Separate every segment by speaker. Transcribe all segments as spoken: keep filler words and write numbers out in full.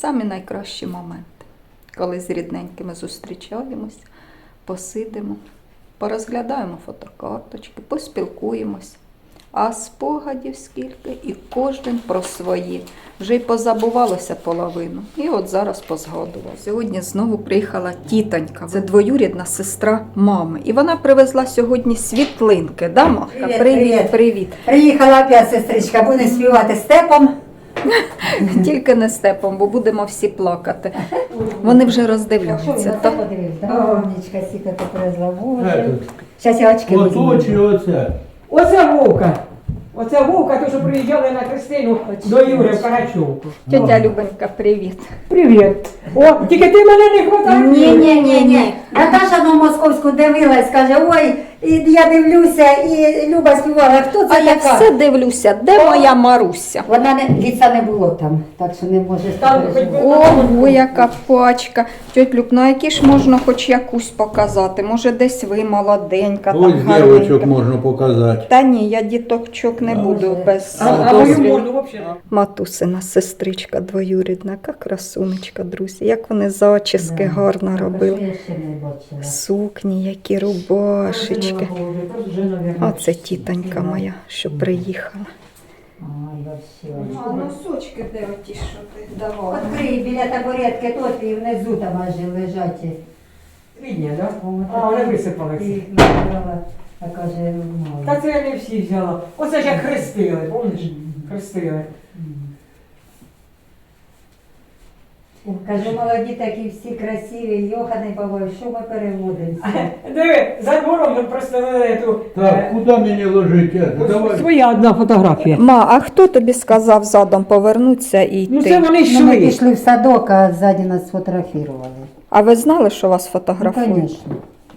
Speaker 1: самі найкращі моменти, коли з рідненькими зустрічаємось, посидимо, порозглядаємо фотокарточки, поспілкуємось. А спогадів скільки, і кожен про свої. Вже й позабувалося половину. І от зараз позгадував. Сьогодні знову приїхала тітонька. Це двоюрідна сестра мами. І вона привезла сьогодні світлинки. Да, Махка?
Speaker 2: Привіт,
Speaker 1: Привіт,
Speaker 2: привіт.
Speaker 1: привіт.
Speaker 2: Приїхала опять сестричка, буде співати степом.
Speaker 1: Тільки не степом, бо будемо всі плакати. Вони вже роздивляються.
Speaker 2: Це
Speaker 1: То...
Speaker 2: подивився. Умничка, сіка ти привезла. Боже. Зараз я очки
Speaker 3: Ото чи
Speaker 2: візьму.
Speaker 3: оце?
Speaker 4: Оце Вовка. Оце Вовка, то, що приїжджали на Христину до Юри в Карачовку.
Speaker 1: Тетя Любонька, привіт.
Speaker 4: Привіт. О, тільки ти мене не хватає.
Speaker 2: Ні, ні, ні, ні. Наташа на московську дивилась, каже, ой, і я дивлюся, і Люба співала. Хто це
Speaker 1: А я
Speaker 2: така?
Speaker 1: все дивлюся, де моя Маруся?
Speaker 2: Вона не, ліца не було там, так що не може
Speaker 4: Там хоч
Speaker 2: переживати.
Speaker 4: би-
Speaker 1: Ого, яка пачка. Тьоть Люб, ну які ж можна хоч якусь показати? Може десь ви молоденька,
Speaker 3: Ось
Speaker 1: там
Speaker 3: дівочок
Speaker 1: гарненька.
Speaker 3: можна показати.
Speaker 1: Та ні, я діточок не буду без
Speaker 4: А, а мою
Speaker 1: дозвілу.
Speaker 4: морду взагалі.
Speaker 1: Матусина сестричка двоюрідна, яка красунечка, друзі. Як вони зачіски
Speaker 2: Да.
Speaker 1: гарно
Speaker 2: Так,
Speaker 1: робили.
Speaker 2: що я ще не бачила.
Speaker 1: Сукні, які рубашечки.
Speaker 4: Вже, наверное,
Speaker 1: Оце тітонька моя, що приїхала.
Speaker 2: Ой, вообще.
Speaker 1: А носочки де оті, що ти давала?
Speaker 2: Відкрий біля табуретки, тут і внизу там аж лежать.
Speaker 4: Рідня, так?
Speaker 2: О,
Speaker 4: А, вони
Speaker 2: Ти
Speaker 4: висипалися.
Speaker 2: їх набрала, а каже, мало.
Speaker 4: Та це я не всі взяла. Оце ж як хрестили, пам'ятаєш? Хрестили.
Speaker 2: Каже, молоді такі всі красиві, Йоханий Бабой, що ми переводимося?
Speaker 4: Диви, за двором ми проставили ту...
Speaker 3: Так,
Speaker 4: е,
Speaker 3: куди мені ложити?
Speaker 4: ось
Speaker 3: Давай.
Speaker 4: Своя одна фотографія.
Speaker 1: Ма, а хто тобі сказав задом повернутися і йти?
Speaker 4: Ну це вони
Speaker 2: Ну, ми
Speaker 4: йшли.
Speaker 2: пішли в садок, а ззаді нас сфотографували.
Speaker 1: А ви знали, що вас
Speaker 2: Ну,
Speaker 1: фотографують?
Speaker 2: звісно.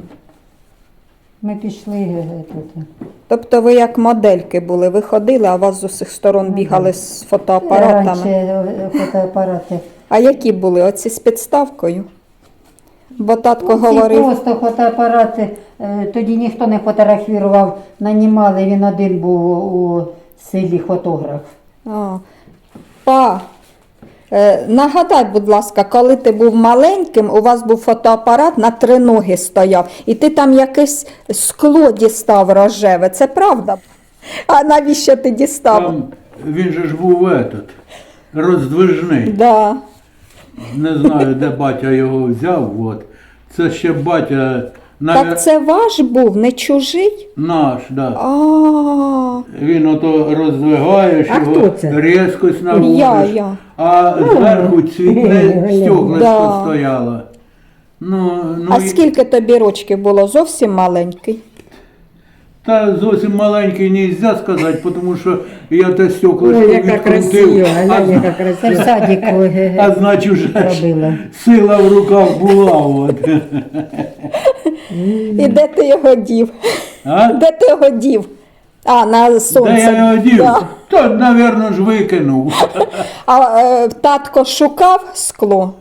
Speaker 2: Ми пішли е, тут.
Speaker 1: Тобто ви як модельки були, ви ходили, а вас з усіх сторон
Speaker 2: Ну,
Speaker 1: бігали
Speaker 2: да.
Speaker 1: з фотоапаратами.
Speaker 2: Раніше е, фотоапарати.
Speaker 1: А які були? Оці з підставкою? Бо татко
Speaker 2: Ці
Speaker 1: говорив,
Speaker 2: просто фотоапарати, е, тоді ніхто не фотографував, нанімали, він один був у селі фотограф.
Speaker 1: а, па, е, нагадай, будь ласка, коли ти був маленьким, у вас був фотоапарат, на три ноги стояв, і ти там якесь скло дістав рожеве, це правда? А навіщо ти дістав?
Speaker 3: Там він же ж був этот, роздвижний.
Speaker 1: Да.
Speaker 3: Не знаю, де батя його взяв. От. Це ще батя навер...
Speaker 1: Так це ваш був, не чужий?
Speaker 3: наш, да.
Speaker 1: А,
Speaker 3: Він ото роздвигаєш
Speaker 4: А
Speaker 3: його,
Speaker 4: хто це?
Speaker 3: різкость
Speaker 1: я,
Speaker 3: наводиш,
Speaker 1: я.
Speaker 3: а зверху цвітне стеклишко
Speaker 1: Да.
Speaker 3: стояло. Ну, ну,
Speaker 1: А
Speaker 3: і-
Speaker 1: скільки тобі рочків було? Зовсім маленький?
Speaker 3: Та зовсім маленький не можна сказати, тому що я те стеклишко
Speaker 4: Ой, яка красива,
Speaker 3: відкрутив, а,
Speaker 4: глянь, яка
Speaker 2: Це в
Speaker 4: красива.
Speaker 2: садіку е,
Speaker 3: а значить вже ж
Speaker 2: робила.
Speaker 3: сила в руках була. От.
Speaker 1: І де ти його дів?
Speaker 3: А?
Speaker 1: Де ти його дів? А, на сонце.
Speaker 3: Де я його дів?
Speaker 1: Да.
Speaker 3: То, мабуть, ж викинув.
Speaker 1: А е, татко шукав скло?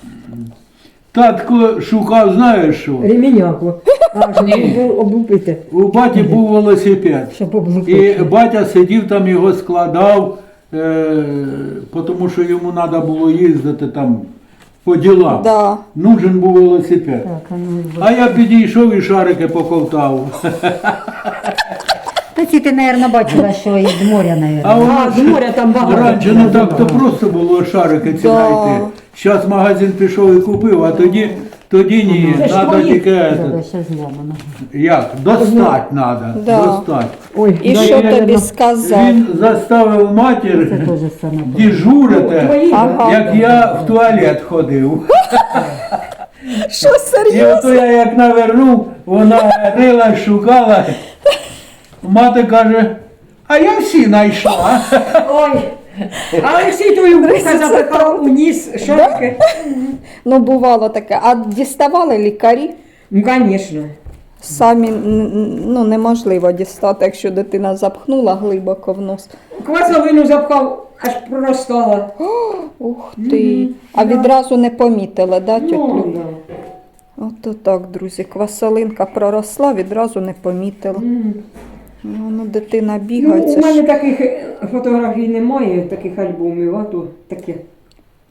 Speaker 3: Татко шукав, знаєш що?
Speaker 4: Реміняку. А, щоб облупити.
Speaker 3: У баті був велосипед.
Speaker 4: Щоб облупити.
Speaker 3: І батя сидів там, його складав, е, тому що йому треба було їздити там по ділам.
Speaker 1: Да.
Speaker 3: Нужен був велосипед.
Speaker 2: Так, а ну,
Speaker 3: А я підійшов і шарики поковтав.
Speaker 2: Та ці ти, мабуть, бачила, що із моря,
Speaker 3: А
Speaker 2: мабуть.
Speaker 4: А, з моря там багато.
Speaker 3: раніше не так то просто було шарики ці
Speaker 1: Да.
Speaker 3: знайти. Зараз магазин пішов і купив, а тоді, тоді ні.
Speaker 4: Це ж
Speaker 3: Треба
Speaker 4: твої.
Speaker 3: тільки
Speaker 2: Тебе
Speaker 3: этот,
Speaker 2: ще зламано.
Speaker 3: як? Достать треба.
Speaker 1: Да.
Speaker 3: Достать.
Speaker 4: Ой,
Speaker 1: І
Speaker 4: да,
Speaker 1: що
Speaker 4: я,
Speaker 1: тобі
Speaker 4: я,
Speaker 1: сказав?
Speaker 3: Він заставив
Speaker 2: Це
Speaker 3: матір
Speaker 2: теж саме.
Speaker 3: дежурити,
Speaker 4: Твої,
Speaker 1: Ага.
Speaker 3: як я в туалет ходив.
Speaker 1: Що
Speaker 3: І
Speaker 1: серйозно?
Speaker 3: ото я як навернув, вона рила, шукала. Мати каже, а я всі знайшла.
Speaker 4: Ой. А Олексій твою вуха запихав у ніс шорки.
Speaker 1: Ну, бувало таке. А діставали лікарі?
Speaker 4: Ну, звісно.
Speaker 1: Самі н- н- ну, неможливо дістати, якщо дитина запхнула глибоко в нос.
Speaker 4: Квасовину запхав, аж проростала.
Speaker 1: Ух ти. А відразу не помітили, да, тьоть
Speaker 4: Ну,
Speaker 1: Люб?
Speaker 4: да.
Speaker 1: Ото так, друзі, квасолинка проросла, відразу не помітила.
Speaker 4: М.
Speaker 1: Ну, ну дитина
Speaker 4: Ну,
Speaker 1: бігає.
Speaker 4: у
Speaker 1: це
Speaker 4: мене
Speaker 1: ж...
Speaker 4: таких фотографій немає, таких альбомів, а то таке.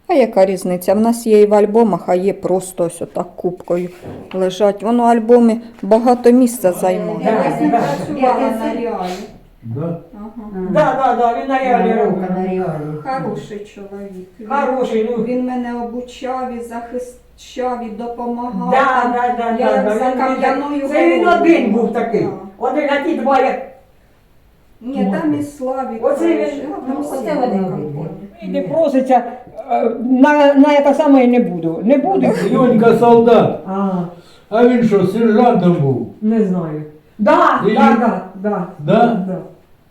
Speaker 1: А яка різниця? В нас є і в альбомах, а є просто ось отак кубкою лежать. Воно альбоми багато місця займає.
Speaker 4: Да,
Speaker 1: Я з ним
Speaker 4: да.
Speaker 1: працювала на реалі.
Speaker 3: Да?
Speaker 1: Ага.
Speaker 4: Да, да, да, він на реалі
Speaker 2: Наука
Speaker 4: робить.
Speaker 2: на реалі.
Speaker 1: Хороший чоловік. Він-
Speaker 4: Хороший, ну.
Speaker 1: Він мене обучав і захищав, і допомагав.
Speaker 4: Да,
Speaker 1: Там
Speaker 4: да, да,
Speaker 1: я
Speaker 4: да,
Speaker 1: як
Speaker 4: да.
Speaker 1: за
Speaker 4: Він-
Speaker 1: кам'яною
Speaker 4: Це він
Speaker 1: горою.
Speaker 4: один був такий.
Speaker 1: Да.
Speaker 4: Один, а ті два як.
Speaker 1: Ні, там і Славік.
Speaker 4: Оце він-
Speaker 1: хороший. А, там
Speaker 2: ну,
Speaker 1: всі
Speaker 2: оце
Speaker 1: були
Speaker 2: вони
Speaker 1: компанії.
Speaker 4: І не проситься, е, на, на це саме і не буду. Не буду.
Speaker 3: Йонька солдат.
Speaker 4: А,
Speaker 3: А він що, сержантом був?
Speaker 4: не знаю. Да,
Speaker 3: І-
Speaker 4: да, да, да.
Speaker 3: Да?
Speaker 4: Да.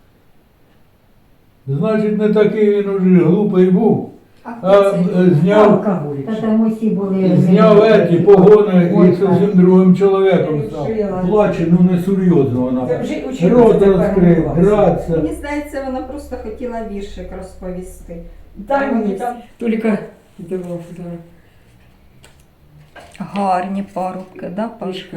Speaker 3: Значить, не такий він уже глупий був.
Speaker 1: А
Speaker 3: А
Speaker 1: хто це?
Speaker 3: е, зняв,
Speaker 4: Алкоголік.
Speaker 2: Та там усі були.
Speaker 3: зняв еті погони
Speaker 2: Ой,
Speaker 3: і зовсім другим чоловіком став.
Speaker 4: Жила.
Speaker 3: Плаче, ну не серйозно вона.
Speaker 4: Це вже училася
Speaker 3: Рот
Speaker 4: тепер
Speaker 3: розкрив,
Speaker 4: клас.
Speaker 3: гратися.
Speaker 1: Мені здається, вона просто хотіла віршик розповісти.
Speaker 4: Та ні, там тільки дивав, да.
Speaker 1: Гарні парубки, да, Паш?
Speaker 4: Пішка.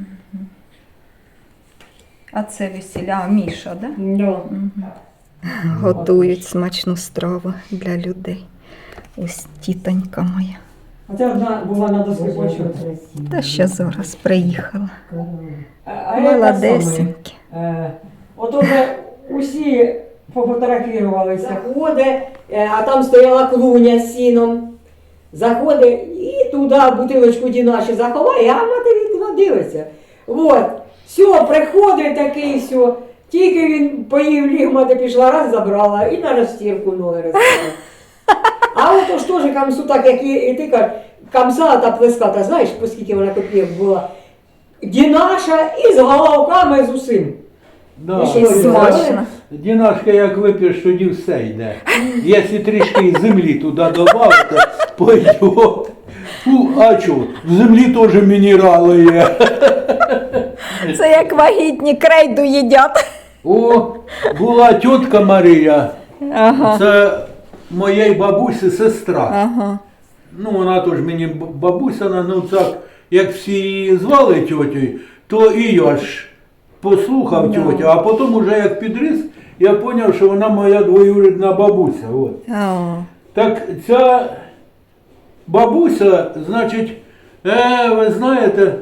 Speaker 1: А це весіля, а Міша, да?
Speaker 4: Да.
Speaker 1: Готують смачну страву для людей. Ось тітонька моя.
Speaker 4: А це одна була на доску
Speaker 2: Боже,
Speaker 4: почути.
Speaker 2: красиво.
Speaker 1: Та ще зараз приїхала.
Speaker 4: А, а я те саме,
Speaker 1: Молодесенькі.
Speaker 4: е, От уже усі пофотографувалися. Заходить, е, а там стояла клуня з сіном. Заходить і туди бутилочку дінаші заховає, а матері туди дивиться. От. Все, приходить такий, все. Тільки він поїв ліг, мати пішла, раз забрала і на розстірку ноги розставила. А от ж теж камсу, так як і, і ти кажеш, камса та плеската, знаєш, по скільки вона копійок була. Дінаша і з головками з усім.
Speaker 3: Да.
Speaker 4: І що,
Speaker 1: І смачно.
Speaker 3: Дінашка, як вип'єш, тоді все йде. Якщо трішки землі туди додати, пойде. Ну, а чого? В землі теж мінерали є.
Speaker 1: Це як вагітні крейду їдять.
Speaker 3: О, була тітка Марія,
Speaker 1: Ага.
Speaker 3: це моєї бабусі сестра.
Speaker 1: Ага.
Speaker 3: Ну, вона теж мені б- бабуся, ну так, як всі її звали тьотю, то і я ж послухав
Speaker 1: Да.
Speaker 3: тьотю, а потім уже як підріс, я зрозумів, що вона моя двоюрідна бабуся. От.
Speaker 1: А,
Speaker 3: Так ця бабуся, значить, е, ви знаєте,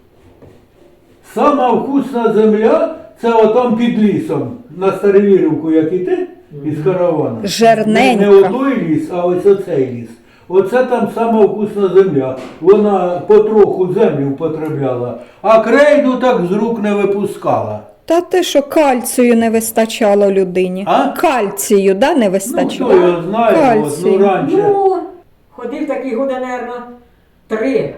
Speaker 3: сама вкусна земля це отам під лісом, на Старовірівку, як іти, із караваном.
Speaker 1: Жерненька.
Speaker 3: Не, не отой ліс, а ось оцей ліс. Оце там сама вкусна земля. Вона потроху землю употребляла, а крейду так з рук не випускала.
Speaker 1: Та те, що кальцію не вистачало людині.
Speaker 3: А?
Speaker 1: Кальцію, да, не
Speaker 3: Ну,
Speaker 1: вистачало?
Speaker 3: хто його знає, от,
Speaker 1: Кальцій.
Speaker 3: ну раніше.
Speaker 4: Ну, ходив такий года, наверно, три.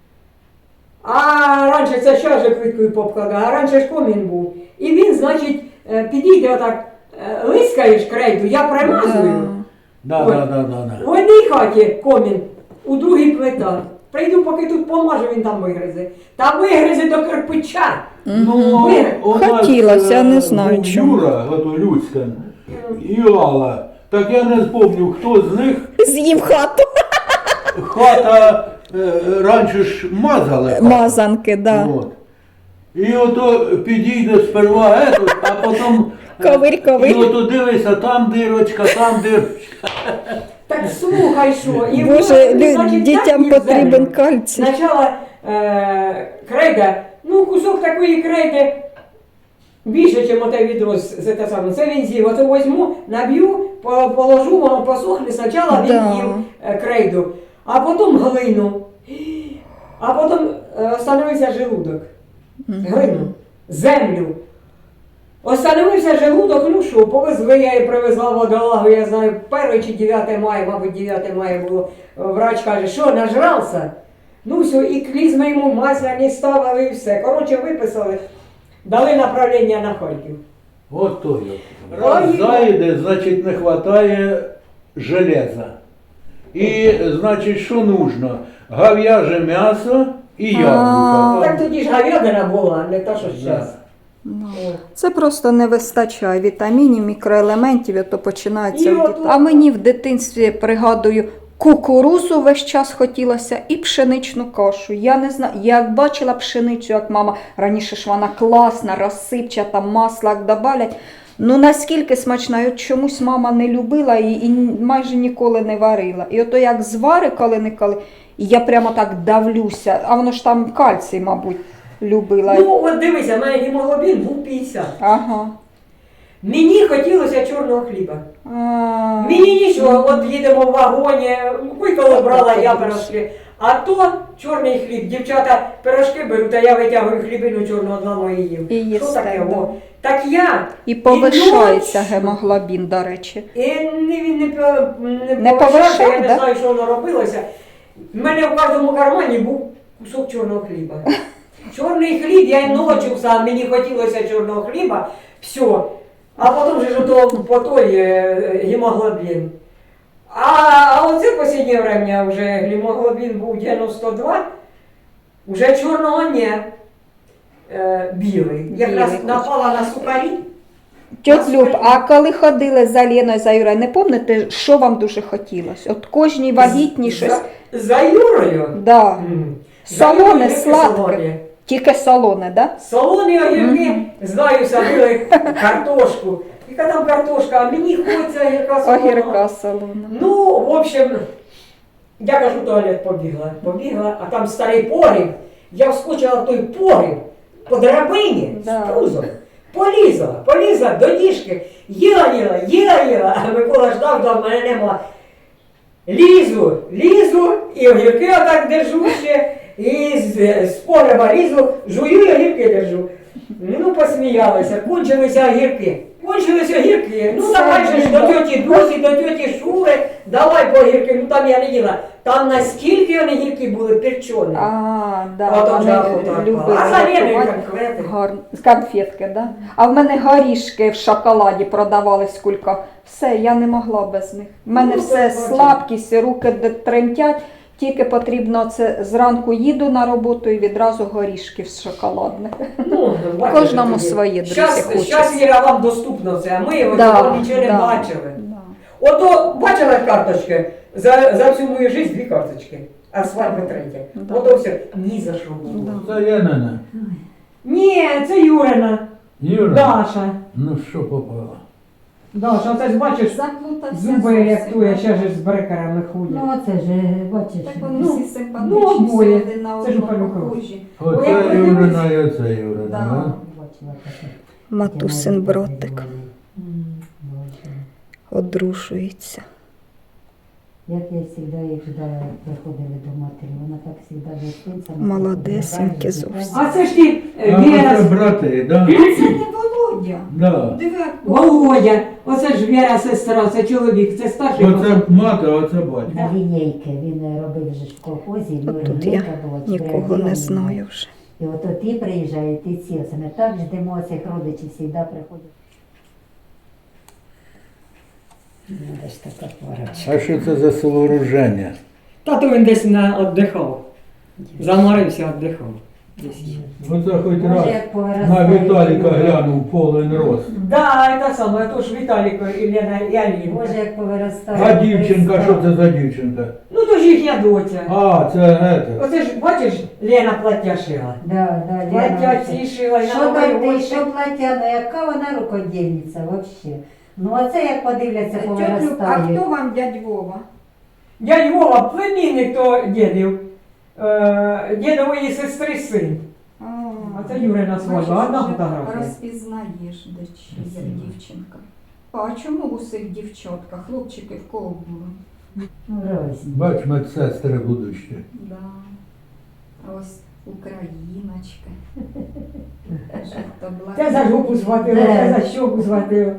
Speaker 4: А раніше це ще же квиткою попкладав, а раніше ж комін був. І він, значить, е, підійде отак, е, лискаєш крейду, я примазую.
Speaker 3: Да,
Speaker 4: Ой.
Speaker 3: да, да, да, да.
Speaker 4: В одній хаті комін, у другій плита. Прийду, поки тут помажу, він там вигризе. Та вигризе до кирпича.
Speaker 3: Ну,
Speaker 4: Ви-
Speaker 3: у нас,
Speaker 1: Хотілося,
Speaker 3: е,
Speaker 1: не знаю
Speaker 3: був
Speaker 1: чому.
Speaker 3: Юра, ото Люцька, і Алла. Так я не спомню, хто з них
Speaker 1: З'їв хату.
Speaker 3: хата е, раніше ж мазали. хату.
Speaker 1: Мазанки, да.
Speaker 3: От. І ото підійде сперва ето, а потім е,
Speaker 1: Ковирь, ковирь.
Speaker 3: І ото дивися, там дирочка, там дирочка.
Speaker 4: Так слухай, що. І
Speaker 1: Боже,
Speaker 4: воно,
Speaker 1: лю-
Speaker 4: значить,
Speaker 1: дітям
Speaker 4: так їх
Speaker 1: потрібен
Speaker 4: землю.
Speaker 1: кальцій.
Speaker 4: Спочатку е, крейда, ну кусок такої крейди більше, ніж оте відро з з те саме. Це він з'їв. Оце візьму, наб'ю, по- положу, воно посохне. Спочатку він
Speaker 1: Да.
Speaker 4: їв е, крейду, а потім глину. А потім е, остановився желудок. Глину, землю. Остановився желудок, ну що, повезли, я і привезла водолагу, я знаю, перше чи дев'яте мая, мабуть, дев'яте мая було. Врач каже, що, нажрався? Ну все, і клізми йому масляні ставили і все. Коротше, виписали, дали направлення на Харків.
Speaker 3: От то я. Раз
Speaker 4: Ой.
Speaker 3: зайде, значить не вистачає железа. І, значить, що нужно? Говяже м'ясо і яблука.
Speaker 4: Так тоді ж говядина була, не та, що зараз.
Speaker 1: Ну, це просто не вистачає вітамінів, мікроелементів, і то починається.
Speaker 4: І
Speaker 1: в
Speaker 4: от-
Speaker 1: дит- А мені в дитинстві, пригадую, кукурузу весь час хотілося і пшеничну кашу. Я не знаю, я як бачила пшеницю, як мама, раніше ж вона класна, розсипчата, масло як добавлять. Ну наскільки смачна, і от чомусь мама не любила і, і майже ніколи не варила. І ото як звари коли-неколи, і я прямо так давлюся, а воно ж там кальцій, мабуть, любила.
Speaker 4: Ну, от дивися, в мене гемоглобін був п'ятдесят.
Speaker 1: Ага.
Speaker 4: Мені хотілося чорного хліба.
Speaker 1: А,
Speaker 4: Мені нічого, от їдемо в вагоні, виколи брала я пирожки. А то чорний хліб. Дівчата пирожки беруть, а я витягую хлібину чорного одного і їм.
Speaker 1: І їсте,
Speaker 4: Що таке?
Speaker 1: да.
Speaker 4: О, так я.
Speaker 1: І повишається
Speaker 4: ночі-
Speaker 1: гемоглобін, до речі.
Speaker 4: І не, він не, по- не,
Speaker 1: Не
Speaker 4: повишався,
Speaker 1: повишав,
Speaker 4: я не
Speaker 1: да?
Speaker 4: знаю, що воно робилося. У мене в кожному кармані був кусок чорного хліба. Чорний хліб, я й ночі сам, мені хотілося чорного хліба, все. А потім же ж ото по той е, гемоглобін. А, а оце в останнє время вже гемоглобін був дев'яносто два, вже чорного не, е, білий. Якраз
Speaker 1: Білий.
Speaker 4: напала на сухарі.
Speaker 1: Тьот Люб, а коли ходили за Леною, за Юрою, не пам'ятаєте, що вам дуже хотілося? От кожній вагітній щось.
Speaker 4: За, за Юрою?
Speaker 1: Да.
Speaker 4: М.
Speaker 1: Солоне,
Speaker 4: За Юрою
Speaker 1: сладке.
Speaker 4: солоне.
Speaker 1: Тільки солоне, да?
Speaker 4: Солоні огірки, знаю, садили картошку. Яка там картошка, а мені хочеться огірка солоного.
Speaker 1: Огірка солона.
Speaker 4: Ну, в общем, я кажу, в туалет побігла. Побігла, а там старий погріб. Я вскочила в той погріб по драбині
Speaker 1: Да.
Speaker 4: з пузом. Полізла, полізла до діжки. Їла, їла, їла, їла. А Микола ждав, ждав, мене нема. Лізу, лізу, і огірки отак держу ще. І з, з погреба лізу, жую і огірки держу. Ну, посміялися, кончилися огірки. Кончилися огірки. Ну,
Speaker 1: Це
Speaker 4: давай же ж до
Speaker 1: біда.
Speaker 4: тьоті Дусі, до тьоті Шури, давай по огірки. Ну, там я не їла. Там наскільки вони гірки були перчені.
Speaker 1: А, да,
Speaker 4: А там
Speaker 1: вони
Speaker 4: же охота
Speaker 1: любили
Speaker 4: відпала. А за Леною
Speaker 1: готувати.
Speaker 4: конкрети.
Speaker 1: Гарно. Конфетки, да? А в мене горішки в шоколаді продавались кулька. Все, я не могла без них. У мене
Speaker 4: Ну,
Speaker 1: все
Speaker 4: так, бачиш.
Speaker 1: слабкість, руки де- тремтять. Тільки потрібно це зранку їду на роботу і відразу горішки з шоколадних.
Speaker 4: Ну, бачите,
Speaker 1: Кожному
Speaker 4: тоді.
Speaker 1: своє, друзі,
Speaker 4: Щас,
Speaker 1: хочеться.
Speaker 4: щас, Віра, вам доступно це, а ми його цього нічого не бачили.
Speaker 1: Да.
Speaker 4: Ото бачила карточки? За, за всю мою життя дві карточки, а свадьба третя.
Speaker 1: Да.
Speaker 4: Ото все. Ні за що було.
Speaker 1: Да.
Speaker 3: Це Янина.
Speaker 4: Ні, це Юрина.
Speaker 3: Юра,
Speaker 4: Даша.
Speaker 3: ну що попало?
Speaker 4: Даша, оце ж бачиш,
Speaker 1: Заплутався
Speaker 4: зуби
Speaker 1: зовсім.
Speaker 4: рятує, ще ж з брекерами ходять.
Speaker 2: Ну, оце ж, бачиш.
Speaker 1: Так вони
Speaker 4: Ну,
Speaker 1: всі
Speaker 4: ну,
Speaker 1: симпатичні, всі
Speaker 4: обоє.
Speaker 1: один на
Speaker 4: Це ж
Speaker 1: одного
Speaker 4: Павлюков.
Speaker 1: похожі.
Speaker 3: Оце
Speaker 4: Ой, як
Speaker 3: Юрина і оце Юрина.
Speaker 1: Да.
Speaker 3: Да.
Speaker 2: Бачила таке.
Speaker 1: Матусин братик
Speaker 2: Бачила.
Speaker 1: одружується.
Speaker 2: Як я завжди їх ждала, як приходили до матері, вона так завжди гостинцями.
Speaker 1: Молодесенькі зовсім.
Speaker 4: А це ж ти, е,
Speaker 3: А
Speaker 4: Віра,
Speaker 3: оце брати, да?
Speaker 1: Це не Володя.
Speaker 3: Да.
Speaker 1: Диви, як
Speaker 4: Володя, оце ж Віра сестра, це чоловік, це старший.
Speaker 3: Оце мати, а оце батько.
Speaker 2: На лінійки він робив вже ж в колхозі, ну,
Speaker 1: От тут
Speaker 2: лінійка
Speaker 1: я
Speaker 2: була,
Speaker 1: нікого
Speaker 2: чотири
Speaker 1: не
Speaker 2: дні.
Speaker 1: знаю вже.
Speaker 2: І от ті приїжджають, і ці, оце ми так ждемо цих родичів, завжди приходять. Ну, де ж така парочка.
Speaker 3: А що це за сооруження?
Speaker 4: Тато він десь на віддихав. Заморився, віддихав. Десь.
Speaker 3: Оце хоч раз
Speaker 2: Може, як повиростає.
Speaker 3: на Віталіка глянув повен рост.
Speaker 4: Да, це саме, то ж Віталіко і Лена і Аліна.
Speaker 2: Може, як повиростає.
Speaker 3: А дівчинка, що це за дівчинка?
Speaker 4: Ну то ж їхня доця.
Speaker 3: А, це ете.
Speaker 4: Оце ж, бачиш, Лена плаття шила.
Speaker 2: Да, да,
Speaker 4: Плаття
Speaker 2: Лена,
Speaker 4: ці шила, і
Speaker 2: що
Speaker 4: на
Speaker 2: плаття,
Speaker 4: новий
Speaker 2: що плаття, ну яка вона рукодільниця взагалі. Ну оце як подивляться,
Speaker 1: Тьотю, а
Speaker 2: повиростає.
Speaker 1: хто вам дядь Вова?
Speaker 4: Дядь Вова, племінник то дідів. Е, дідової сестри син. А це Юрина свадьба, одна фотографія.
Speaker 1: Розпізнаєш, де чи є дівчинка. А чому у цих дівчатках? Хлопчики в кого були?
Speaker 2: Ну, розні.
Speaker 3: Бач, медсестри будущі.
Speaker 1: Да. А ось україночка. Жовто-блакитна.
Speaker 4: Це за жопу схватила,
Speaker 2: Де?
Speaker 4: це за щоку схватила.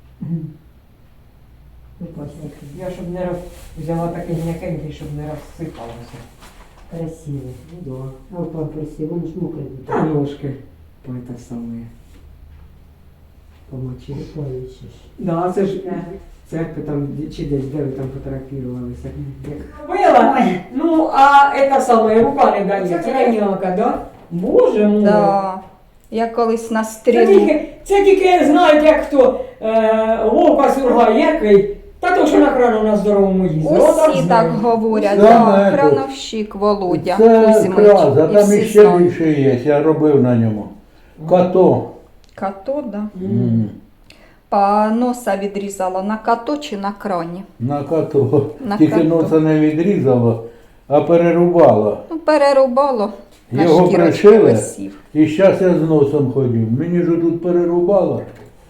Speaker 2: Ось такий
Speaker 4: Я щоб не роз... взяла такий м'якенький, щоб не розсипалося.
Speaker 2: красивий.
Speaker 4: Ну да.
Speaker 2: А в памперсі, воно ж мокрий.
Speaker 4: Та ножки. Ой, те саме. Помочили.
Speaker 2: Бачиш.
Speaker 4: Да, це ж церкви там, чи десь, де ви там фотографувалися. Робила? Ну, а це саме, рука не дає, це ранілка, да? Боже мой.
Speaker 1: Да. Я колись на
Speaker 4: Це
Speaker 1: стрілу.
Speaker 4: тільки, це тільки знають, як хто е, вовка сургає, який, та то, що на крану на здоровому їздить. Отак
Speaker 1: Усі так
Speaker 4: знають.
Speaker 1: говорять,
Speaker 3: Це
Speaker 1: да,
Speaker 3: не
Speaker 1: крановщик Володя
Speaker 3: Це
Speaker 1: Кузьмич.
Speaker 3: краза,
Speaker 1: І
Speaker 3: там
Speaker 1: всі
Speaker 3: іще
Speaker 1: знають.
Speaker 3: більше є, я робив на ньому. Като.
Speaker 1: Като, да.
Speaker 3: М.
Speaker 1: Па носа відрізало на като чи на крані.
Speaker 3: На като.
Speaker 1: На
Speaker 3: Тільки
Speaker 1: като.
Speaker 3: носа не відрізало, а перерубало.
Speaker 1: Ну, перерубало. На
Speaker 3: Його
Speaker 1: шкірочці
Speaker 3: пришили,
Speaker 1: висів.
Speaker 3: і зараз я з носом ходив. Мені ж тут перерубало.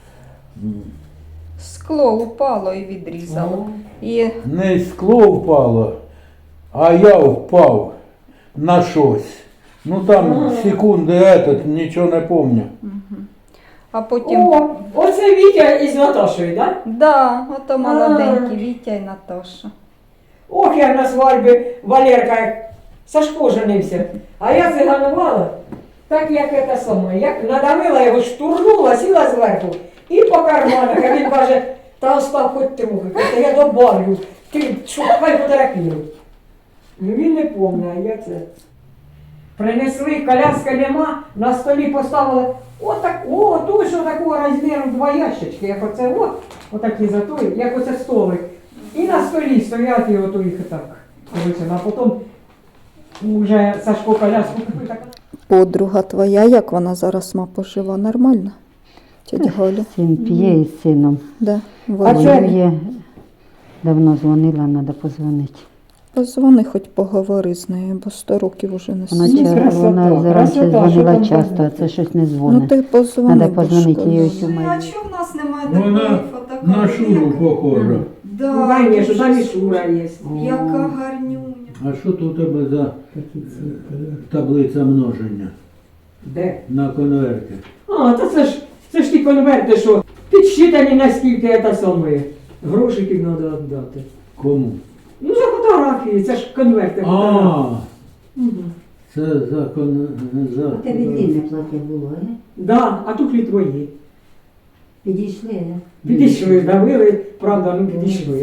Speaker 1: Скло упало і відрізало. І
Speaker 3: Не скло впало, а я впав на щось. Ну там секунди этот, нічого не пам'ятаю.
Speaker 1: а потім.
Speaker 4: О, оце Вітя із Наташою, так? Да?
Speaker 1: Да, ото молоденькі Вітя і Наташа.
Speaker 4: Ох, як на свадьбі Валерка, як Сашко женився. А я циганувала, так як це саме. Як надавила його, штурнула, сіла зверху і по карманах. А він каже, та остав хоч трохи, та я добавлю, ти шукай фотографію. Ну він не пам'ятає, а я це. Принесли, коляска нема, на столі поставили, отак, о, той, що такого розміру два ящички, як оце, от, отакі за той, як оце столик. І на столі стоять і ото їх так. Коротше, а потім вже Сашко коляску купив так.
Speaker 1: Подруга твоя, як вона зараз ма пожива? Нормально? Тетя Галя?
Speaker 2: Син п'є із сином.
Speaker 1: Да.
Speaker 2: А
Speaker 1: Вона.
Speaker 2: що є? Давно дзвонила, треба позвонити.
Speaker 1: Позвони, хоч поговори з нею, бо сто років уже не
Speaker 2: Вона,
Speaker 1: сидить.
Speaker 2: ча-
Speaker 4: красота,
Speaker 2: вона раніше
Speaker 4: красота, що
Speaker 2: дзвонила
Speaker 4: там
Speaker 2: часто, а
Speaker 4: позвонити?
Speaker 2: це щось не
Speaker 1: Ну
Speaker 2: дзвонить.
Speaker 1: ти позвони.
Speaker 2: Надо позвонити
Speaker 1: бо
Speaker 2: їй
Speaker 1: ж
Speaker 2: ось у
Speaker 1: коли-
Speaker 2: мене.
Speaker 1: А чого в нас немає
Speaker 3: Вона
Speaker 1: такої фотокартки?
Speaker 3: на Шуру похожа.
Speaker 1: Да,
Speaker 4: Ну, конечно,
Speaker 1: дуже
Speaker 4: там і Шура є.
Speaker 1: Яка гарнюня.
Speaker 3: А що тут у тебе за е, таблиця множення
Speaker 4: Де?
Speaker 3: на конверті?
Speaker 4: А, та це ж, це ж ті конверти, що підсчитані наскільки це саме. Грошиків треба віддати.
Speaker 3: Кому?
Speaker 4: Ну, за фотографії, це ж конверти. фотографії.
Speaker 3: А,
Speaker 4: Мгм.
Speaker 3: це за кон... за...
Speaker 2: плаття було, а?
Speaker 4: Да, а тут і твої.
Speaker 2: Підійшли, а?
Speaker 4: Підійшли, давили, правда, ну підійшли.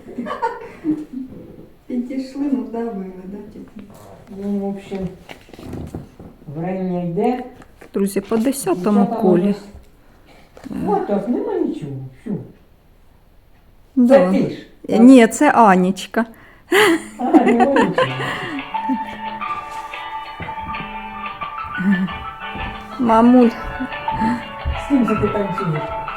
Speaker 1: Підійшли, ну давили, да, тільки.
Speaker 4: Ну, в общем, время йде.
Speaker 1: Друзі, по десятому
Speaker 4: Дівчата
Speaker 1: колі.
Speaker 4: ось- От так, нема нічого. Що? Це
Speaker 1: Да.
Speaker 4: ти ж.
Speaker 1: Ні, це Анічка.
Speaker 4: А, нема нічого.
Speaker 1: Мамуль,
Speaker 4: З ким це ти танцюєш?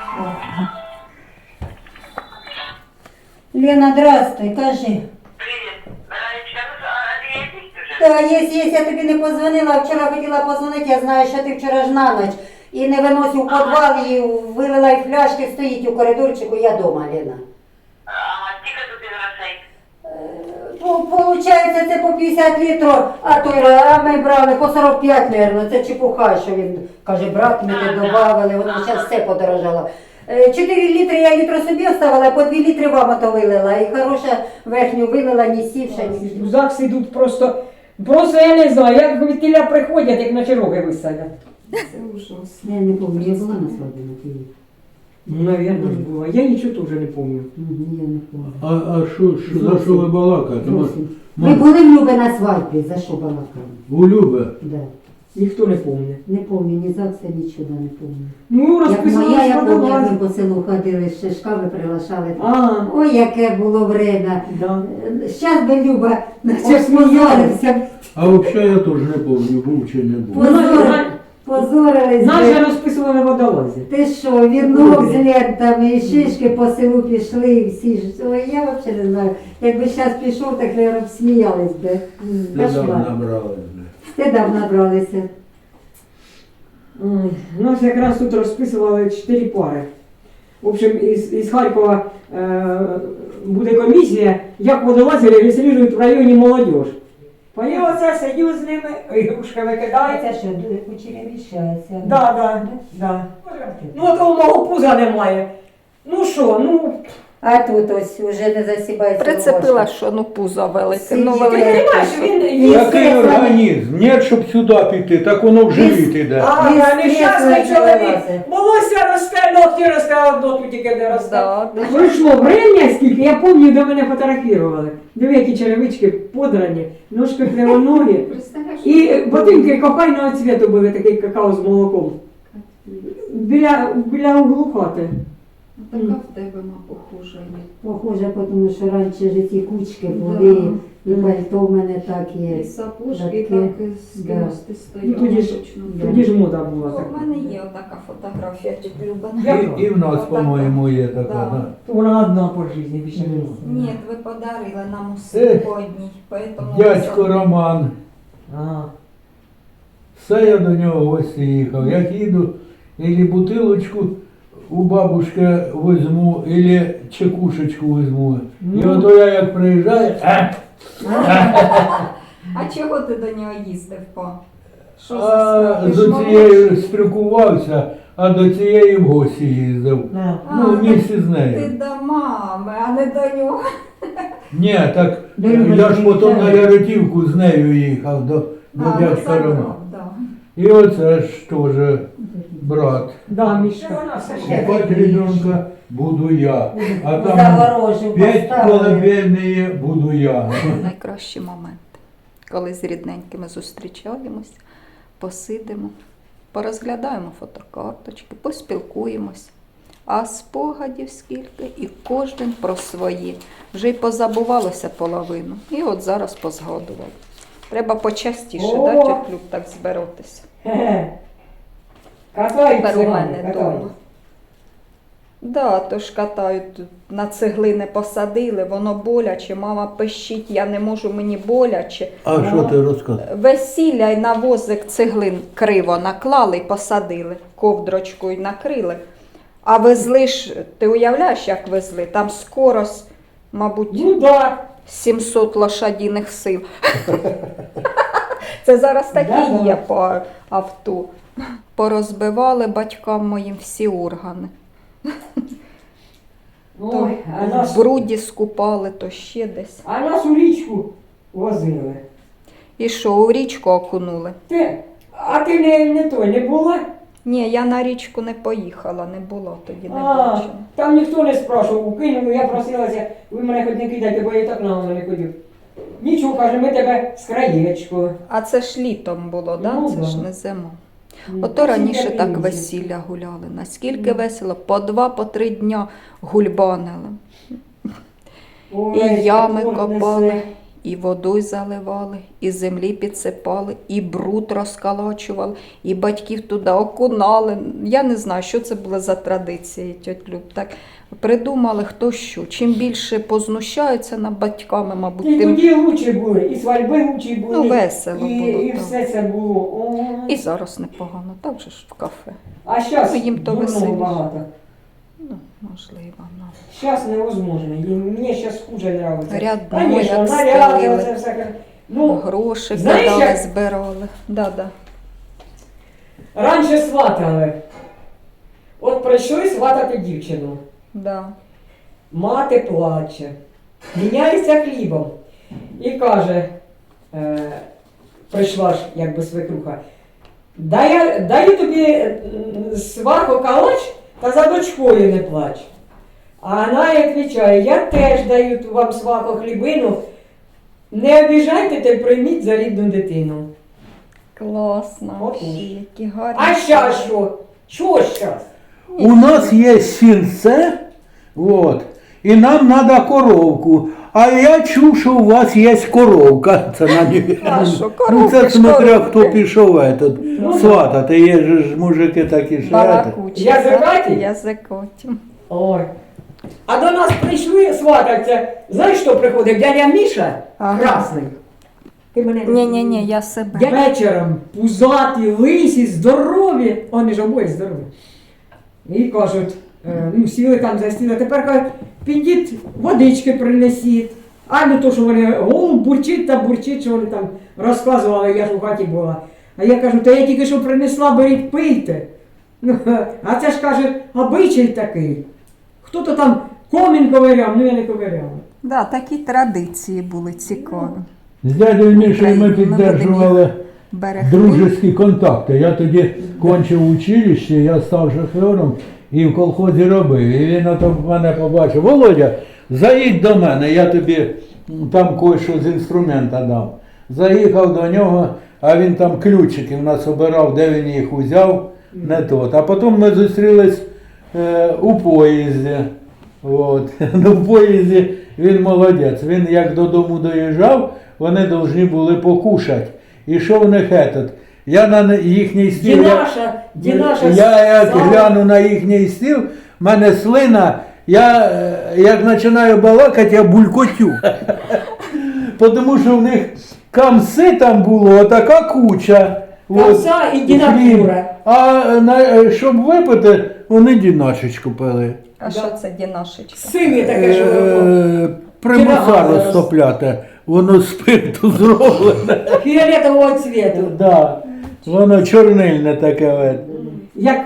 Speaker 2: Лена, здравствуй, кажи.
Speaker 5: Привет. Ранечка, ну, а ты есть уже?
Speaker 2: Та, є, є, я тобі не позвонила, вчора хотіла позвонити, я знаю, що ти вчора ж на ніч. І не виносив у підвал, і вилила і фляшки, стоїть у коридорчику, я дома, Лена.
Speaker 5: Ага, сколько тут из грошей?
Speaker 2: По- Получається, це по п'ятдесят літрів, а той, а ми брали по сорок п'ять, мабуть, це чепуха, що він каже, брат, ми не додавали, воно зараз все подорожало. Е, чотири літри я літро собі оставила, по дві літри вам ото вилила, і хороша верхню вилила, ні сівша, ні.
Speaker 4: В ЗАГС ідуть просто, просто я не знаю, як від тіля приходять, як на чероги висадять.
Speaker 1: це ужасно.
Speaker 2: Я не пам'ятаю, я була на свадьбі на Києві.
Speaker 4: Ну, навірно ж було. Я нічого теж не пам'ятаю.
Speaker 2: Я не пам'ятаю.
Speaker 3: А, а що, що, за що ви балакаєте? Мо-
Speaker 2: Зовсім.
Speaker 3: мо-
Speaker 2: Ви були в Любе на свадьбі, за що балакали?
Speaker 3: У Любе?
Speaker 2: Да.
Speaker 4: Ніхто не пам'ятає.
Speaker 2: Не пам'ятаю, ні ЗАГСа, нічого не пам'ятаю.
Speaker 4: Ну,
Speaker 2: Як
Speaker 4: розписували
Speaker 2: моя, я пам'ятаю, як
Speaker 4: складові.
Speaker 2: ми по селу ходили, ще шкави приглашали.
Speaker 4: А,
Speaker 2: Ой, яке було время.
Speaker 4: да.
Speaker 2: Щас би Люба наче
Speaker 4: Посміялися.
Speaker 2: позорився.
Speaker 3: А взагалі я теж не пам'ятаю, був чи не був.
Speaker 2: Позор, позорились.
Speaker 4: Нас же
Speaker 2: би.
Speaker 4: розписували водолазі.
Speaker 2: Ти що, вінок з лентами, і шишки по селу пішли, і всі ж. Ой, я взагалі не знаю. Якби зараз пішов, так, мабуть, сміялись би.
Speaker 3: Недавно
Speaker 2: Кошмар.
Speaker 3: набрали.
Speaker 2: Стидав набралися.
Speaker 4: Ой, Нас якраз тут розписували чотири пари. В общем, із, із Харкова е, буде комісія, як водолази реєструють в районі молодіж. І оце сидю з ними, ігрушки викидається.
Speaker 2: що, кучеря вішається?
Speaker 4: Да, да, да. Ну от у мого пуза немає. Ну що, ну,
Speaker 2: А тут ось уже не засібається.
Speaker 1: Прицепила,
Speaker 2: рубашка.
Speaker 1: що ну пузо велике.
Speaker 2: Сидіть.
Speaker 1: Ну,
Speaker 4: ти
Speaker 1: велике.
Speaker 4: розумієш, він їсть.
Speaker 3: Який організм? Ні, щоб сюди піти, так воно в живіт іде.
Speaker 4: А,
Speaker 2: Він
Speaker 4: а
Speaker 2: стрес
Speaker 4: нещасний
Speaker 2: не
Speaker 4: чоловік.
Speaker 2: вилазить.
Speaker 4: Волосся росте, ногті росте, а одно тут тільки не росте.
Speaker 1: Да, да.
Speaker 4: Пройшло время скільки, я пам'ятаю, де мене фотографували. Диви, які черевички подрані, ножки кривоногі.
Speaker 1: Представляєш?
Speaker 4: І ботинки кокайного цвіту були, такий какао з молоком. Біля, біля углу хати.
Speaker 1: Така в тебе ма похожа є.
Speaker 2: Похоже, тому що раніше ж ці кучки були, І пальто в мене так є.
Speaker 1: І сапожки
Speaker 2: Такі,
Speaker 1: так з
Speaker 2: да.
Speaker 1: кімости
Speaker 4: Ну,
Speaker 1: стоять.
Speaker 4: тоді ж, тоді ж мода була
Speaker 1: У
Speaker 4: така.
Speaker 1: мене є отака фотографія тіть Люба.
Speaker 3: І, і в нас,
Speaker 1: Отака.
Speaker 3: по-моєму, є така.
Speaker 1: Да.
Speaker 3: Да.
Speaker 4: Вона одна по житті, більше не було.
Speaker 1: Ні, ви подарили нам усі
Speaker 3: Ех,
Speaker 1: по одній. Поэтому
Speaker 3: Дядько
Speaker 1: ми
Speaker 3: Роман.
Speaker 4: А,
Speaker 3: Все я до нього в гості їхав. Як їду, ілі бутилочку у бабушки візьму, ілі чекушечку візьму. І
Speaker 4: Ну.
Speaker 3: ото я як приїжджаю, а,
Speaker 1: А чого ти до нього їздив по? Що за
Speaker 3: а
Speaker 1: справа? Ти
Speaker 3: з
Speaker 1: ж
Speaker 3: цією
Speaker 1: молодший.
Speaker 3: спілкувався, а до цієї в гості їздив.
Speaker 4: на.
Speaker 1: А,
Speaker 3: Ну, в місті з
Speaker 1: Ти
Speaker 3: нею.
Speaker 1: до мами, а не до нього.
Speaker 3: Ні, так
Speaker 2: До
Speaker 3: я
Speaker 2: Любочки
Speaker 3: ж потім на
Speaker 2: їхав.
Speaker 3: Яротівку з нею їхав до, до
Speaker 1: А,
Speaker 3: дядька
Speaker 1: забрав,
Speaker 3: Романа.
Speaker 1: да.
Speaker 3: І оце ж теж брат.
Speaker 4: Да, Мішка.
Speaker 3: Купать ребенка буду я. А там
Speaker 2: Загорожу
Speaker 3: п'ять
Speaker 2: поставили.
Speaker 3: колыбельные буду я.
Speaker 1: Найкращі моменти, коли з рідненькими зустрічаємось, посидимо, порозглядаємо фотокарточки, поспілкуємось. А спогадів скільки, і кожен про свої. Вже й позабувалося половину. І от зараз позгадували. Треба почастіше,
Speaker 4: О!
Speaker 1: да, тьоть Люб, так збиратися.
Speaker 4: Хе-хе. Катають
Speaker 1: Тепер у
Speaker 4: цигани,
Speaker 1: мене
Speaker 4: катають.
Speaker 1: вдома. Да, то ж катають, на цеглини посадили, воно боляче, мама пищить, я не можу, мені боляче.
Speaker 3: А що ти розказуєш?
Speaker 1: Весілля й на возик цеглин криво наклали й посадили, ковдрочкою накрили. А везли ж, ти уявляєш, як везли? Там скорость, мабуть,
Speaker 4: Ну да.
Speaker 1: сімсот лошадиних сил. Це зараз такі
Speaker 4: Да-да.
Speaker 1: є по авто. Порозбивали батькам моїм всі органи.
Speaker 4: Ой, а
Speaker 1: В
Speaker 4: нас,
Speaker 1: бруді скупали, то ще десь.
Speaker 4: а нас у річку возили.
Speaker 1: І що, у річку окунули?
Speaker 4: Ти, а ти не, не той, не була?
Speaker 1: Ні, я на річку не поїхала, не було тоді, не
Speaker 4: А,
Speaker 1: бачила.
Speaker 4: там ніхто не спрашував, укинули, я просилася, ви мене хоч не кидайте, бо я так на воно не ходив. Нічого, каже, ми тебе з краєчкою.
Speaker 1: А це ж літом було, да?
Speaker 4: Ну,
Speaker 1: Це
Speaker 4: да.
Speaker 1: ж не зима.
Speaker 4: Ну,
Speaker 1: Ото
Speaker 4: всі
Speaker 1: раніше
Speaker 4: такі
Speaker 1: так
Speaker 4: люди.
Speaker 1: весілля гуляли. Наскільки весело, по два, по три дня гульбанили.
Speaker 4: Ой,
Speaker 1: І ями
Speaker 4: торт
Speaker 1: копали,
Speaker 4: несе.
Speaker 1: і водою заливали, і землі підсипали, і бруд розкалачували, і батьків туди окунали. Я не знаю, що це було за традиції, тьоть Люб. Так придумали хто що. Чим більше познущаються над батьками, мабуть,
Speaker 4: І
Speaker 1: тим
Speaker 4: тоді лучі були, і свадьби лучі були.
Speaker 1: ну, весело
Speaker 4: і,
Speaker 1: було.
Speaker 4: і
Speaker 1: так.
Speaker 4: все це було. Ой.
Speaker 1: І зараз непогано, так же ж в кафе.
Speaker 4: А зараз
Speaker 1: Ну, їм то
Speaker 4: дурного
Speaker 1: веселіше.
Speaker 4: багато.
Speaker 1: Ну, можливо, ну.
Speaker 4: Зараз невозможно. І мені зараз хуже нравиться.
Speaker 1: Рядно,
Speaker 4: Конечно,
Speaker 1: як
Speaker 4: наряди,
Speaker 1: стелили.
Speaker 4: оце все. Ну,
Speaker 1: Гроші
Speaker 4: знаєш,
Speaker 1: кидали,
Speaker 4: як-
Speaker 1: збирали. Да-да.
Speaker 4: раніше сватали. От прийшли сватати дівчину.
Speaker 1: Да.
Speaker 4: Мати плаче, міняється хлібом. І каже, е, прийшла ж якби свекруха, дай, даю тобі е, сваху калач, та за дочкою не плач. А вона їй відповідає, я теж даю вам сваху хлібину, не обіжайте та й прийміть за рідну дитину.
Speaker 1: Класно.
Speaker 4: Отож.
Speaker 1: Які гарні.
Speaker 4: А щас що? Що щас?
Speaker 3: У нас є сінце, вот, і нам треба коровку. А я чув, що у вас є коровка. Це на ній.
Speaker 1: А що,
Speaker 3: Ну
Speaker 1: коровки
Speaker 3: це
Speaker 1: ж
Speaker 3: смотря
Speaker 1: коровки.
Speaker 3: хто пішов этот,
Speaker 4: Ну,
Speaker 3: сватати. Є ж мужики такі що. этот.
Speaker 1: Балакучі.
Speaker 4: Язикаті?
Speaker 1: Язикоті.
Speaker 4: Ой. А до нас прийшли свататься. Знаєш, що приходить? Дядя Міша,
Speaker 1: Ага.
Speaker 4: красний. Ти мене не
Speaker 1: Ні-ні-ні, я себе.
Speaker 4: Я вечором пузаті, лисі, здорові. Вони ж обоє здорові. І кажуть, е, ну сіли там за стіл, а тепер кажуть, підіть, водички принесіть. А ну то, що вони голуб бурчить та бурчить, що вони там розказували, я ж у хаті була. А я кажу, та я тільки що принесла, беріть, пийте. Ну, а це ж каже, обичай такий. Хто-то там комін ковиряв, ну я не ковиряв.
Speaker 1: Да, такі традиції були цікаві.
Speaker 3: З дядею Мішею ми
Speaker 1: Україну, ми
Speaker 3: підтримували
Speaker 1: Берегли.
Speaker 3: дружеські контакти. Я тоді кончив училище, я став шофером і в колхозі робив. І він ото мене побачив: Володя, заїдь до мене, я тобі м, там кое-що з інструмента дам. Заїхав до нього, а він там ключики в нас обирав, де він їх узяв, не тот. А потім ми зустрілись е, у поїзді. От. Ну, в поїзді він молодець. Він як додому доїжджав, вони повинні були покушати. І що в них этот? Я на їхній стіл.
Speaker 4: Дінаша, Дінаша.
Speaker 3: Я як
Speaker 4: сам-
Speaker 3: гляну на їхній стіл, в мене слина, я е, як починаю балакати, я булькотю. Тому що в них камси там було, така куча.
Speaker 4: Камса і
Speaker 3: хліб.
Speaker 4: дінатура.
Speaker 3: А на, щоб випити, вони дінашечку пили.
Speaker 1: А що це дінашечка?
Speaker 4: Синє таке, що воно.
Speaker 3: Е, Примуса
Speaker 4: Кіра-
Speaker 3: розтопляти, воно з спирту зроблене.
Speaker 4: Фіолетового цвіту.
Speaker 3: Да. Воно чорнильне таке. от.
Speaker 4: Як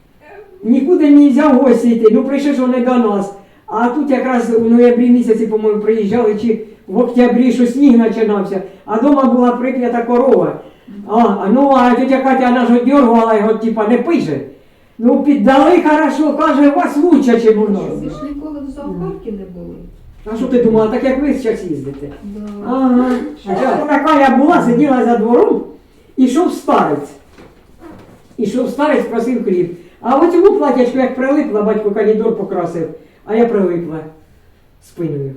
Speaker 4: нікуди не можна в гості йти, ну прийшли ж вони до нас. А тут якраз у ноябрі місяці, по-моєму, приїжджали, чи в октябрі, що сніг починався, а вдома була прип'ята корова. А, а ну, а тетя Катя вона ж одергувала його, типа, не пише. Ну, піддали хорошо, каже, у вас лучше, ніж у нас.
Speaker 6: Ви ж ніколи в зоопарку не були.
Speaker 4: А що ти думала, так як ви зараз їздите?
Speaker 6: Да.
Speaker 4: Ага. А що така я була, сиділа за двором, ішов старець. Ішов старець, просив хліб. А в цьому платячку, як прилипла, батько калідор покрасив, а я прилипла спиною.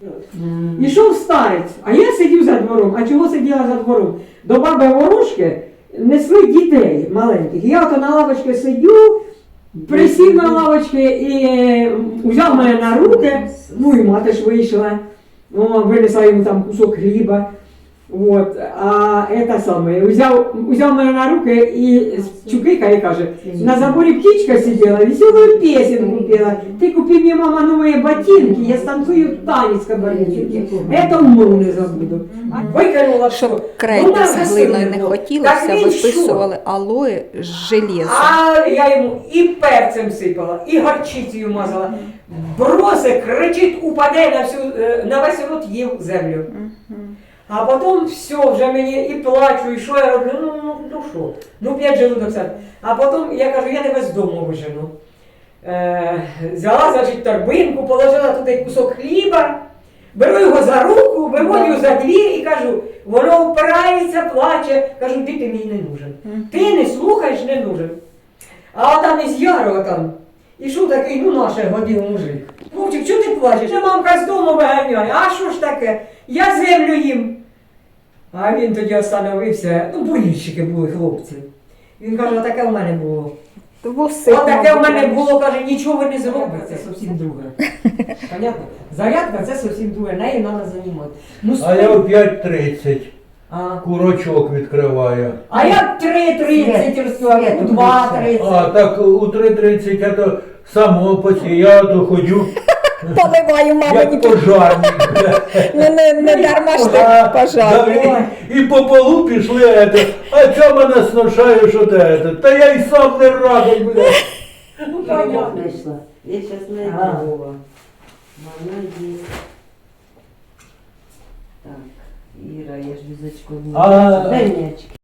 Speaker 4: Ішов старець, а я сидів за двором. А чого сиділа за двором? До баби ворожки несли дітей маленьких. Я ото на лавочці сидю, присів на лавочці і е, взяв мене на руки, ну і мати ж вийшла, о, винесла йому там кусок хліба. Вот. А это самое, взяв, взяв мене на руки і чукикає, каже, на заборі птичка сиділа, веселую песенку пела. Ти купи мені, мама, нові ботинки, я станцую танець кабардинки. Это умру не забуду. Викинула все.
Speaker 1: Щоб крейду
Speaker 4: Ну,
Speaker 1: з
Speaker 4: нас
Speaker 1: глиною не
Speaker 4: висунуло.
Speaker 1: хотілося,
Speaker 4: Так він
Speaker 1: виписували алої з железом.
Speaker 4: А я йому і перцем сипала, і горчицею мазала. Броси, кричить, упаде на всю, е, на весь рот їв землю. А потім все, вже мені і плачу, і що я роблю, ну, ну, ну що, ну п'ять желудок сад. А потім я кажу, я тебе з дому вижену. Е, взяла, значить, торбинку, положила туди кусок хліба, беру його за руку, виводю за двір і кажу, воно впирається, плаче, кажу, ти, ти мені не нужен. Ти не слухаєш, не нужен. А там із Ярова там, ішов такий, ну наше годин мужик. Вовчик, чого ти плачеш? Я мамка з дому виганяє. А що ж таке? Я землю їм. А він тоді остановився, ну болільщики були хлопці. Він каже, таке в мене було.
Speaker 1: Вуси,
Speaker 4: О, таке в
Speaker 1: мабуть,
Speaker 4: мене
Speaker 1: раніше.
Speaker 4: було, каже, нічого ви не зробите, це зовсім друге. Понятно? Зарядка це зовсім друге, нею треба займати. Ну,
Speaker 3: А я
Speaker 4: спи-
Speaker 3: о п'ять тридцять
Speaker 4: а.
Speaker 3: курочок відкриваю.
Speaker 4: а я три тридцять розповідаю,
Speaker 2: Свет,
Speaker 4: два
Speaker 3: А,
Speaker 4: тридцять.
Speaker 3: так у три тридцять я то само поці, я то ходю,
Speaker 1: Поливаю, мама,
Speaker 3: як пожарник.
Speaker 1: ну не, не дарма ж
Speaker 3: А,
Speaker 1: так пожар.
Speaker 3: да, і, і по полу пішли, это, а чого мене сношає, що те, это? Та я й сам не радий, бля.
Speaker 4: Ну, понятно.
Speaker 2: Знайшла. Я зараз не
Speaker 4: Ага.
Speaker 2: Вова. Вона є. Так, Іра, я ж візочку не
Speaker 3: А-
Speaker 2: Дай м'ячик.